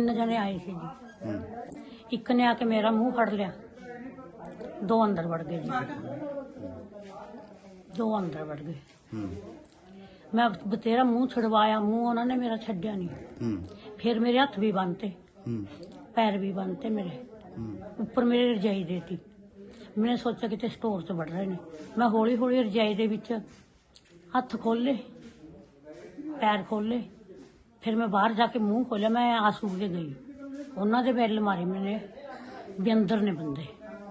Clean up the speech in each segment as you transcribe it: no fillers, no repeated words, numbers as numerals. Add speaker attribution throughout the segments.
Speaker 1: 3 ਜਣੇ ਆਏ ਸੀ ਜੀ। ਇੱਕ ਨੇ ਆ ਕੇ ਮੇਰਾ ਮੂੰਹ ਫੜ ਲਿਆ, 2 ਅੰਦਰ ਵੜ ਗਏ ਜੀ, 2 ਅੰਦਰ ਵੜ ਗਏ। ਮੈਂ ਬਤੇਰਾ ਮੂੰਹ ਛੁਡਵਾਇਆ, ਮੂੰਹ ਉਹਨਾਂ ਨੇ ਮੇਰਾ ਛੱਡਿਆ ਨਹੀਂ। ਫਿਰ ਮੇਰੇ ਹੱਥ ਵੀ ਬੰਨਤੇ, ਪੈਰ ਵੀ ਬੰਨਤੇ ਮੇਰੇ, ਉੱਪਰ ਮੇਰੇ ਰਜਾਈ ਦੇਤੀ। मैंने सोचा कि स्टोर से बढ़ रहे ने। मैं हौली हौली रजाई दे विच हथ खोले, पैर खोले, फिर मैं बाहर जाके मुंह खोलिया। मैं आंसू के गई, उन्होंने बैल मारे मैंने भी अंदर ने बंदे।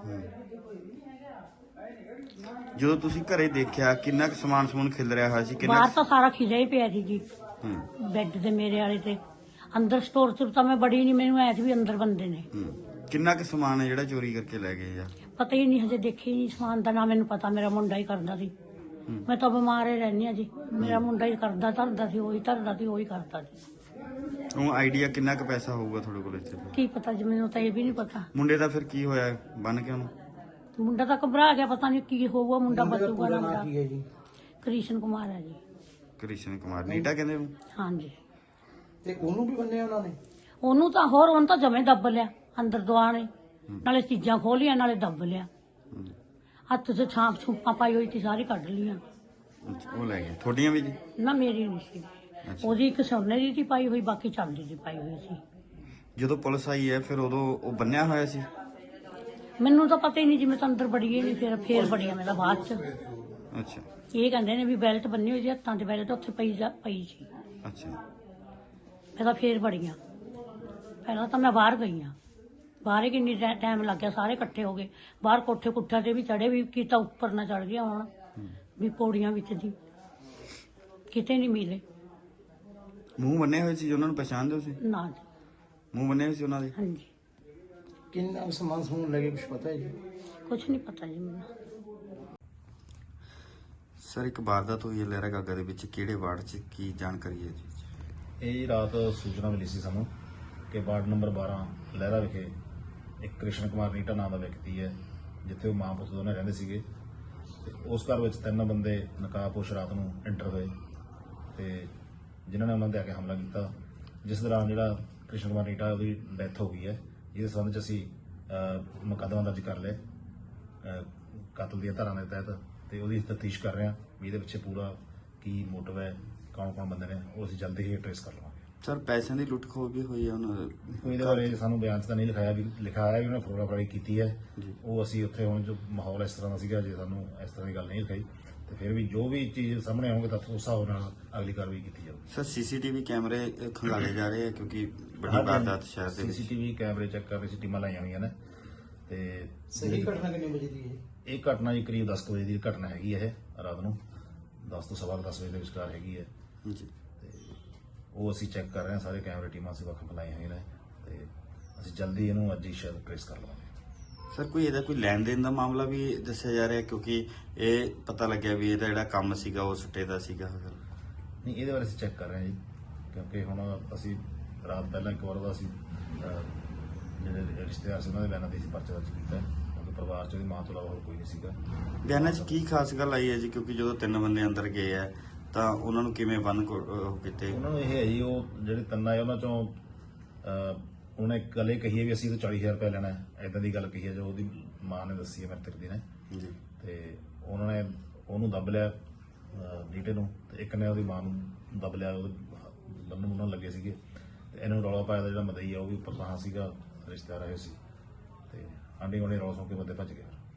Speaker 2: जो तुसी घरे देखिया किन्ना क समान समून खिल रहा होया सी?
Speaker 1: बाहर तो सारा खिलिया ही पिया सी जी, बैड ते मेरे वाले ते। अंदर स्टोर च तो मैं बड़ी नहीं, मैनू ऐस भी अंदर बंदे ने।
Speaker 2: किन्ना क समान है जिहड़ा चोरी करके ले गए या?
Speaker 1: पता ही नहीं, हजे देखे ही नहीं समान का ना। मैनू पता मेरा मुंडा ही करदा सी, मैं तो बीमार ही रहनी जी। मेरा मुंडा ही करदा धरदा सी, वही धरदा सी, वही करदा सी।
Speaker 2: ਉਹ ਆਈਡੀਆ ਕਿੰਨਾ ਕੁ ਪੈਸਾ ਹੋਊਗਾ ਤੁਹਾਡੇ ਕੋਲ ਇੱਥੇ?
Speaker 1: की पता जी, मैनू तो ये भी नहीं पता।
Speaker 2: ਮੁੰਡੇ ਦਾ ਫਿਰ ਕੀ ਹੋਇਆ ਬਨ ਕੇ ਉਹਨੂੰ?
Speaker 1: मुंडा तो घबरा गया, पता नहीं की होगा, मुंडा बचूगा ना। मुंडा कृष्ण कुमार है जी।
Speaker 2: ਕ੍ਰਿਸ਼ਨ ਕੁਮਾਰ ਨੀਟਾ ਕਹਿੰਦੇ ਉਹਨੂੰ?
Speaker 1: हाँ जी।
Speaker 3: ਤੇ ਉਹਨੂੰ ਵੀ ਬੰਨਿਆ ਉਹਨਾਂ ਨੇ?
Speaker 1: ਉਹਨੂੰ ਤਾਂ ਹੋਰ, ਉਹਨੂੰ ਤਾਂ ਜਮੇ ਦੱਬ ਲਿਆ ਅੰਦਰ ਦੁਆਣੇ, ਨਾਲੇ ਚੀਜ਼ਾਂ ਖੋਲੀਆਂ ਨਾਲੇ ਦੱਬ ਲਿਆ। ਹੱਥ 'ਚ ਛਾਂਪ ਛੂਪਾਂ ਪਾਈ ਹੋਈ ਸੀ, ਸਾਰੀ ਕੱਢ ਲੀਆਂ।
Speaker 2: ਉਹ ਲੈ ਗਏ ਤੁਹਾਡੀਆਂ ਵੀ ਜੀ?
Speaker 1: ਨਾ ਮੇਰੀ ਨਹੀਂ ਸੀ, ਉਹਦੀ ਇੱਕ ਸੋਨੇ ਦੀ ਸੀ ਪਾਈ ਹੋਈ, ਬਾਕੀ ਚਾਂਦੀ ਦੀ ਪਾਈ ਹੋਈ ਸੀ।
Speaker 2: ਜਦੋਂ ਪੁਲਿਸ ਆਈ ਹੈ ਫਿਰ ਉਦੋਂ ਉਹ ਬੰਨਿਆ ਹੋਇਆ ਸੀ?
Speaker 1: ਮੈਨੂੰ ਤਾਂ ਪਤਾ ਹੀ ਨਹੀਂ ਜੀ, ਮੈਂ ਤਾਂ ਅੰਦਰ ਬੜੀ ਹੀ ਨਹੀਂ, ਫੇਰ ਬੜੀਆਂ ਮੈਂ ਤਾਂ ਬਾਅਦ 'ਚ।
Speaker 2: ਅੱਛਾ।
Speaker 1: ਇਹ ਕਹਿੰਦੇ ਨੇ ਵੀ ਬੈਲਟ ਬੰਨੀ ਹੋਈ ਸੀ ਹੱਥਾਂ 'ਚ, ਬੈਲਟ ਉੱਥੇ ਪਈ ਸੀ।
Speaker 2: ਅੱਛਾ।
Speaker 1: ਮੈਂ ਤਾਂ ਫੇਰ ਬੜੀਆਂ, ਪਹਿਲਾਂ ਤਾਂ ਮੈਂ ਬਾਹਰ ਗਈ ਹਾਂ, ਬਾਹਰ ਹੀ ਕਿੰਨੀ ਟਾਈਮ ਲੱਗ ਗਿਆ। ਸਾਰੇ ਇਕੱਠੇ ਹੋ ਗਏ ਬਾਹਰ, ਕੋਠੇ ਕੁੱਠਿਆਂ ਤੇ ਵੀ ਚੜੇ, ਵੀ ਕੀਤਾ ਉੱਪਰ ਨਾ ਚੜ ਗਿਆ ਹੁਣ, ਵੀ ਪੌੜੀਆਂ ਵਿੱਚ ਦੀ ਕਿਤੇ ਨਹੀਂ ਮਿਲੇ।
Speaker 2: ਮੂੰਹ ਬੰਨੇ ਹੋਏ ਸੀ? ਉਹਨਾਂ ਨੂੰ ਪਛਾਣਦੇ ਹੋ ਸੀ?
Speaker 1: ਨਾ ਜੀ।
Speaker 2: ਮੂੰਹ ਬੰਨੇ ਹੋਏ ਸੀ ਉਹਨਾਂ ਦੇ?
Speaker 1: ਹਾਂਜੀ।
Speaker 3: ਕਿੰਨਾ ਸਮਾਨ ਸਮੂਨ ਲੱਗੇ ਕੁਝ ਪਤਾ ਹੈ ਜੀ?
Speaker 1: ਕੁਛ ਨਹੀਂ ਪਤਾ ਜੀ ਮੈਨੂੰ।
Speaker 2: ਸਰ ਇੱਕ ਵਾਰਦਾਤ ਹੋਈ ਹੈ ਲਹਿਰਾ ਗਾਗਾ ਦੇ ਵਿੱਚ, ਕਿਹੜੇ ਵਾਰਡ 'ਚ, ਕੀ ਜਾਣਕਾਰੀ ਹੈ ਜੀ?
Speaker 4: ਇਹ ਰਾਤ ਸੂਚਨਾ ਮਿਲੀ ਸੀ ਸਾਨੂੰ ਕਿ ਵਾਰਡ ਨੰਬਰ 12 ਲਹਿਰਾ ਵਿਖੇ ਇੱਕ ਕ੍ਰਿਸ਼ਨ ਕੁਮਾਰ ਨੀਟਾ ਨਾਮ ਦਾ ਵਿਅਕਤੀ ਹੈ, ਜਿੱਥੇ ਉਹ ਮਾਂ ਪੁੱਤ ਦੋਨੇ ਰਹਿੰਦੇ ਸੀਗੇ। ਤੇ ਉਸ ਘਰ ਵਿੱਚ 3 ਬੰਦੇ ਨਕਾਬਪੋਸ਼ ਰਾਤ ਨੂੰ ਐਂਟਰ ਹੋਏ ਤੇ ਜਿਨ੍ਹਾਂ ਨੇ ਉਹਨਾਂ ਦੇ ਆ ਕੇ ਹਮਲਾ ਕੀਤਾ, ਜਿਸ ਦੌਰਾਨ ਜਿਹੜਾ ਕ੍ਰਿਸ਼ਨ ਕੁਮਾਰ ਨੀਟਾ ਉਹਦੀ ਡੈਥ ਹੋ ਗਈ ਹੈ। ਜਿਹਦੇ ਸੰਬੰਧ 'ਚ ਅਸੀਂ ਮੁਕੱਦਮਾ ਦਰਜ ਕਰ ਲਿਆ ਕਤਲ ਦੀਆਂ ਧਾਰਾਵਾਂ ਦੇ ਤਹਿਤ, ਤੇ ਉਹਦੀ ਤਫਤੀਸ਼ ਕਰ ਰਹੇ ਹਾਂ ਵੀ ਇਹਦੇ ਪਿੱਛੇ ਪੂਰਾ ਕੀ ਮੋਟਿਵ ਹੈ, ਕੌਣ ਬੰਦੇ ਨੇ, ਉਹ ਅਸੀਂ ਜਲਦੀ ਹੀ ਟ੍ਰੇਸ ਕਰ ਲਵਾਂਗੇ।
Speaker 2: ਸਰ ਪੈਸਿਆਂ ਦੀ ਲੁੱਟ ਖੋਹ ਵੀ ਹੋਈ ਹੈ ਉਹਨਾਂ ਦੇ?
Speaker 4: ਇਹਦੇ ਬਾਰੇ ਸਾਨੂੰ ਬਿਆਨ 'ਚ ਤਾਂ ਨਹੀਂ ਲਿਖਾਇਆ, ਵੀ ਲਿਖਾਇਆ ਵੀ ਉਹਨੇ ਫੋਟੋਗ੍ਰਾਫੀ ਕੀਤੀ ਹੈ। ਉਹ ਅਸੀਂ ਉੱਥੇ ਹੁਣ ਜੋ ਮਾਹੌਲ ਇਸ ਤਰ੍ਹਾਂ ਦਾ ਸੀਗਾ, ਜੇ ਸਾਨੂੰ ਇਸ ਤਰ੍ਹਾਂ ਦੀ ਗੱਲ ਨਹੀਂ ਲਿਖਾਈ ਤੇ ਫਿਰ ਵੀ ਜੋ ਵੀ ਚੀਜ਼ ਸਾਹਮਣੇ ਆਉਣਗੇ ਤਾਂ ਉਸ ਹਿਸਾਬ ਨਾਲ ਅਗਲੀ ਕਾਰਵਾਈ ਕੀਤੀ ਜਾਊਗੀ।
Speaker 2: ਸਰ ਸੀਸੀਟੀਵੀ ਕੈਮਰੇ ਖੰਗਾਲੇ ਜਾ ਰਹੇ ਆ ਕਿਉਂਕਿ ਬੜੀ ਵਾਰਦਾਤ ਸ਼ਹਿਰ ਦੇ ਵਿੱਚ?
Speaker 4: ਸੀਸੀਟੀਵੀ ਕੈਮਰੇ ਚੈੱਕ ਕਰ ਰਹੇ ਸੀ, ਟੀਮਾਂ ਲਾਈਆਂ ਹੋਈਆਂ ਨੇ। ਤੇ
Speaker 3: ਸਹੀ ਘਟਨਾ ਕਿੰਨੇ ਵਜੇ ਦੀ ਹੈ?
Speaker 4: ਇਹ ਘਟਨਾ ਜੀ ਕਰੀਬ 10 ਵਜੇ ਦੀ ਘਟਨਾ ਹੈਗੀ ਹੈ। ਇਹ ਰਾਤ ਨੂੰ 10 ਤੋਂ ਸਵਾ 10 ਵਜੇ ਦੇ ਵਿਚਕਾਰ ਹੈਗੀ ਹੈ
Speaker 2: ਜੀ।
Speaker 4: ਉਹ ਅਸੀਂ ਚੈੱਕ ਕਰ ਰਹੇ ਹਾਂ, ਸਾਰੇ ਕੈਮਰੇ ਟੀਮਾਂ ਅਸੀਂ ਵੱਖ ਲਾਈਆਂ ਹੋਈਆਂ ਨੇ ਤੇ ਅਸੀਂ ਜਲਦੀ ਇਹਨੂੰ ਅੱਜ ਹੀ ਸ਼ਾਇਦ ਟ੍ਰੇਸ ਕਰ ਲਵਾਂਗੇ।
Speaker 2: ਸਰ ਕੋਈ ਇਹਦਾ ਕੋਈ ਲੈਣ ਦੇਣ ਦਾ ਮਾਮਲਾ ਵੀ ਦੱਸਿਆ ਜਾ ਰਿਹਾ, ਕਿਉਂਕਿ ਇਹ ਪਤਾ ਲੱਗਿਆ ਵੀ ਇਹਦਾ ਜਿਹੜਾ ਕੰਮ ਸੀਗਾ ਉਹ ਸੁੱਟੇ ਦਾ ਸੀਗਾ?
Speaker 4: ਨਹੀਂ, ਇਹਦੇ ਬਾਰੇ ਅਸੀਂ ਚੈੱਕ ਕਰ ਰਹੇ ਹਾਂ ਜੀ, ਕਿਉਂਕਿ ਹੁਣ ਅਸੀਂ ਰਾਤ ਪਹਿਲਾਂ ਇੱਕ ਵਾਰ ਦਾ ਅਸੀਂ ਜਿਹੜੇ ਰਿਸ਼ਤੇਦਾਰ ਸੀ ਉਹਨਾਂ ਦੇ ਬਿਆਨਾਂ ਤੇ ਅਸੀਂ ਪਰਚਾ ਦਰਜ ਕੀਤਾ, ਕਿਉਂਕਿ ਪਰਿਵਾਰ 'ਚ ਉਹਦੀ ਮਾਂ ਤੋਂ ਇਲਾਵਾ ਹੋਰ ਕੋਈ ਨਹੀਂ ਸੀਗਾ।
Speaker 2: ਬਿਆਨਾਂ 'ਚ ਕੀ ਖਾਸ ਗੱਲ ਆਈ ਹੈ ਜੀ? ਕਿਉਂਕਿ ਜਦੋਂ 3 ਬੰਦੇ ਅੰਦਰ ਗਏ ਆ ਤਾਂ ਉਹਨਾਂ ਨੂੰ ਕਿਵੇਂ ਬੰਨ ਕੀਤੇ?
Speaker 4: ਉਹਨਾਂ ਨੂੰ ਇਹ ਹੈ ਜੀ, ਉਹ ਜਿਹੜੇ 3 ਆਏ ਉਹਨਾਂ 'ਚੋਂ ਉਹਨੇ ਇੱਕ ਗੱਲ ਇਹ ਕਹੀ ਹੈ ਵੀ ਅਸੀਂ ਤਾਂ 40,000 ਰੁਪਏ ਲੈਣਾ ਹੈ, ਏਦਾਂ ਦੀ ਗੱਲ ਕਹੀ ਹੈ ਜੋ ਉਹਦੀ ਮਾਂ ਨੇ ਦੱਸੀ ਹੈ ਮ੍ਰਿਤਕ ਦੀ ਨੇ
Speaker 2: ਜੀ।
Speaker 4: ਤੇ ਉਹਨਾਂ ਨੇ ਉਹਨੂੰ ਦੱਬ ਲਿਆ ਨੀਟੇ ਨੂੰ, ਤੇ ਇੱਕ ਨੇ ਉਹਦੀ ਮਾਂ ਨੂੰ ਦੱਬ ਲਿਆ, ਉਹਦੇ ਬੰਨ੍ਹਣ ਮੁੰਨਣ ਲੱਗੇ ਸੀਗੇ। ਤੇ ਇਹਨਾਂ ਨੂੰ ਰੌਲਾ ਪਾਇਆ ਦਾ ਜਿਹੜਾ ਮਦਈ ਆ ਉਹ ਵੀ ਉੱਪਰ ਤਾਂ ਸੀਗਾ, ਰਿਸ਼ਤੇਦਾਰ ਆਏ ਸੀ ਤੇ ਆਂਢੀ ਗੁਆਂਢੀ ਰੌਲਾ ਸੁਣ ਕੇ ਬੰਦੇ ਭੱਜ ਗਏ।